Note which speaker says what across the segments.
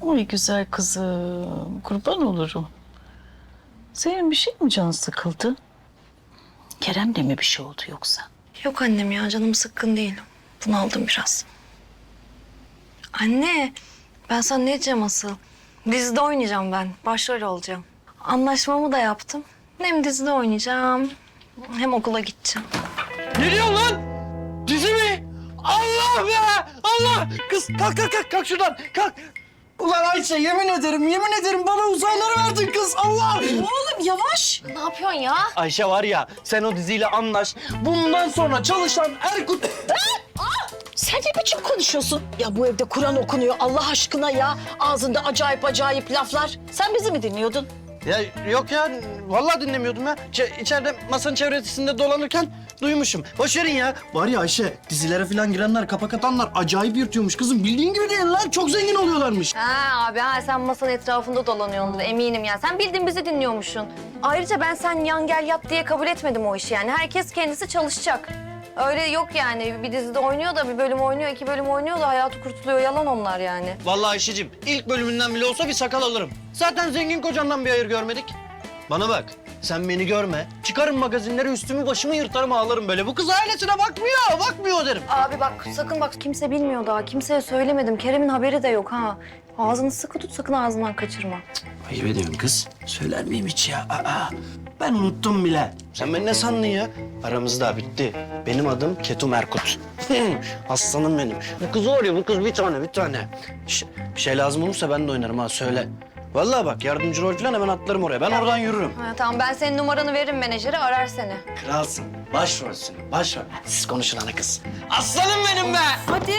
Speaker 1: Oy güzel kızım, kurban olurum. Senin bir şey mi canın sıkıldı? Kerem'le mi bir şey oldu yoksa?
Speaker 2: Yok annem ya, canım sıkkın değil. Bunaldım biraz. Anne, ben sana ne diyeceğim asıl? Dizide oynayacağım ben, başrol olacağım. Anlaşmamı da yaptım. Hem dizide oynayacağım, hem okula gideceğim.
Speaker 3: Ne diyorsun lan? Dizi mi? Allah be! Allah! Kız kalk şuradan kalk. Ulan Ayşe yemin ederim bana uzayları verdin kız Allah!
Speaker 2: Oğlum yavaş. Ne yapıyorsun ya?
Speaker 3: Ayşe var ya sen o diziyle anlaş. Bundan sonra çalışan Erkut...
Speaker 1: Sen ne biçim konuşuyorsun? Ya bu evde Kur'an okunuyor Allah aşkına ya. Ağzında acayip laflar. Sen bizi mi dinliyordun?
Speaker 3: Ya yok ya vallahi dinlemiyordum ya. İçeride masanın çevresinde dolanırken duymuşum. Boş verin ya. Var ya Ayşe dizilere falan girenler kapak atanlar acayip yırtıyormuş kızım. Bildiğin gibi değil lan çok zengin oluyorlarmış.
Speaker 2: Ha abi sen masanın etrafında dolanıyorsun eminim ya. Sen bildiğin bizi dinliyormuşsun. Ayrıca ben sen yan gel yat diye kabul etmedim o işi yani. Herkes kendisi çalışacak. Öyle yok yani. Bir dizide oynuyor da bir bölüm oynuyor, 2 bölüm oynuyor da hayatı kurtuluyor. Yalan onlar yani.
Speaker 3: Vallahi Ayşe'cim ilk bölümünden bile olsa bir sakal alırım. Zaten zengin kocandan bir hayır görmedik. Bana bak sen beni görme. Çıkarım magazinleri üstümü başımı yırtarım ağlarım böyle. Bu kız ailesine bakmıyor derim.
Speaker 2: Abi bak sakın bak kimse bilmiyor daha. Kimseye söylemedim. Kerem'in haberi de yok ha. Ağzını sıkı tut sakın ağzından kaçırma.
Speaker 3: Ayıp ediyorsun kız. Söyler miyim hiç ya? Ben unuttum bile. Sen beni ne sandın ya? Aramız daha bitti. Benim adım Ketum Erkut. Aslanım benim. Bu kız var ya bu kız bir tane. Bir şey lazım olursa ben de oynarım ha söyle. Vallahi bak yardımcı rol falan hemen atlarım oraya. Ben oradan yürürüm.
Speaker 2: Ha, tamam ben senin numaranı veririm menajere arar seni.
Speaker 3: Kralsın. Başrolsün. Başrol. Siz konuşun ana kız. Aslanım benim be!
Speaker 2: Hadi.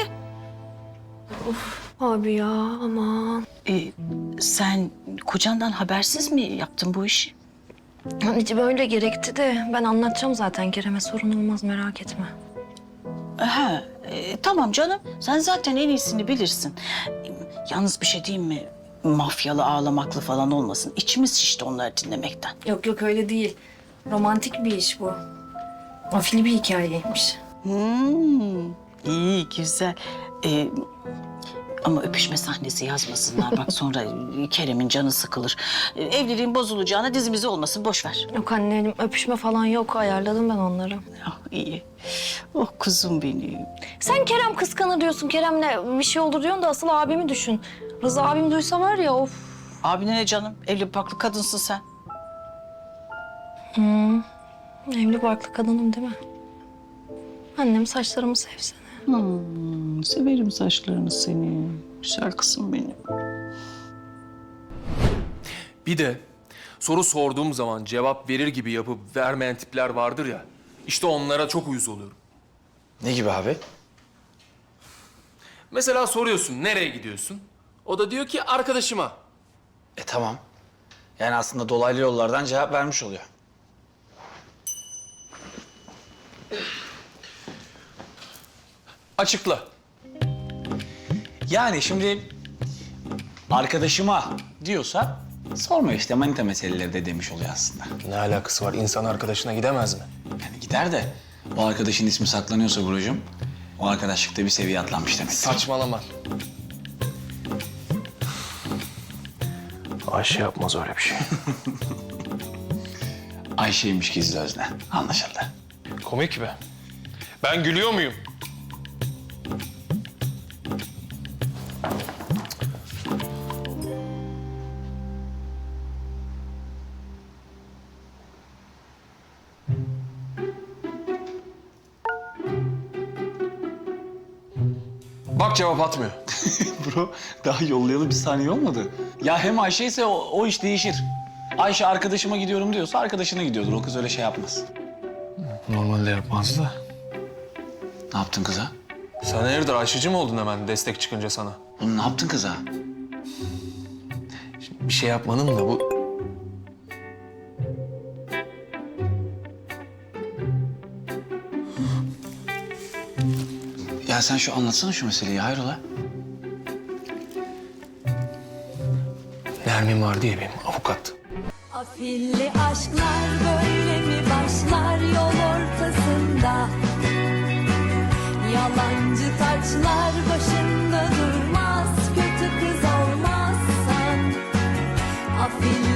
Speaker 2: Abi ya aman.
Speaker 1: Sen kocandan habersiz mi yaptın bu işi?
Speaker 2: Anneciğim öyle gerekti de ben anlatacağım zaten Kerem'e sorun olmaz merak etme.
Speaker 1: Ha, tamam canım. Sen zaten en iyisini bilirsin. Yalnız bir şey diyeyim mi? Mafyalı, ağlamaklı falan olmasın. İçimiz şişti onları dinlemekten.
Speaker 2: Yok öyle değil. Romantik bir iş bu. Afili bir hikayeymiş.
Speaker 1: İyi, güzel. Ama öpüşme sahnesi yazmasınlar. Bak sonra Kerem'in canı sıkılır. Evliliğin bozulacağına dizimizi olmasın. Boş ver.
Speaker 2: Yok annem öpüşme falan yok ayarladım ben onları.
Speaker 1: Ah, iyi. Oh kuzum benim.
Speaker 2: Sen Kerem kıskanır diyorsun. Kerem'le bir şey olur diyorsun da asıl abimi düşün. Rıza abim duysa var ya of.
Speaker 1: Abine ne canım? Evli barklı kadınsın sen.
Speaker 2: Evli barklı kadınım değil mi? Annem saçlarımı sevsene.
Speaker 1: Severim saçlarını seni. Güzel kızım benim.
Speaker 4: Bir de soru sorduğum zaman cevap verir gibi yapıp vermeyen tipler vardır ya. İşte onlara çok uyuz oluyorum.
Speaker 5: Ne gibi abi?
Speaker 4: Mesela soruyorsun nereye gidiyorsun? O da diyor ki arkadaşıma.
Speaker 5: Tamam. Yani aslında dolaylı yollardan cevap vermiş oluyor.
Speaker 4: Açıkla.
Speaker 5: Yani şimdi arkadaşıma diyorsa sorma işte manita meseleleri de demiş oluyor aslında.
Speaker 4: Ne alakası var? İnsan arkadaşına gidemez mi?
Speaker 5: Yani gider de o arkadaşın ismi saklanıyorsa Buracığım, o arkadaşlıkta bir seviye atlanmış demek.
Speaker 4: Saçmalama. Ayşe yapmaz öyle bir şey.
Speaker 5: Ayşe'ymiş gizli özne. Anlaşıldı.
Speaker 4: Komik be. Ben gülüyor muyum? Bak cevap atmıyor.
Speaker 5: Bro daha yollayalı bir saniye olmadı. Ya hem Ayşe ise o iş değişir. Ayşe arkadaşıma gidiyorum diyorsa arkadaşına gidiyordur. O kız öyle şey yapmaz.
Speaker 4: Normalde yapmazdı da.
Speaker 5: Ne yaptın kıza?
Speaker 4: Sen hayırdır Ayşe'cim mi oldun hemen destek çıkınca sana?
Speaker 5: Oğlum ne yaptın kıza?
Speaker 4: Bir şey yapmanın da bu...
Speaker 5: Ya sen şu anlatsana şu meseleyi hayrola?
Speaker 4: Nermin var diye benim avukat.
Speaker 6: Afilli aşklar böyle mi başlar yol ortasında? Yalancı taçlar başında durmaz, kötü kız olmaz. Afilli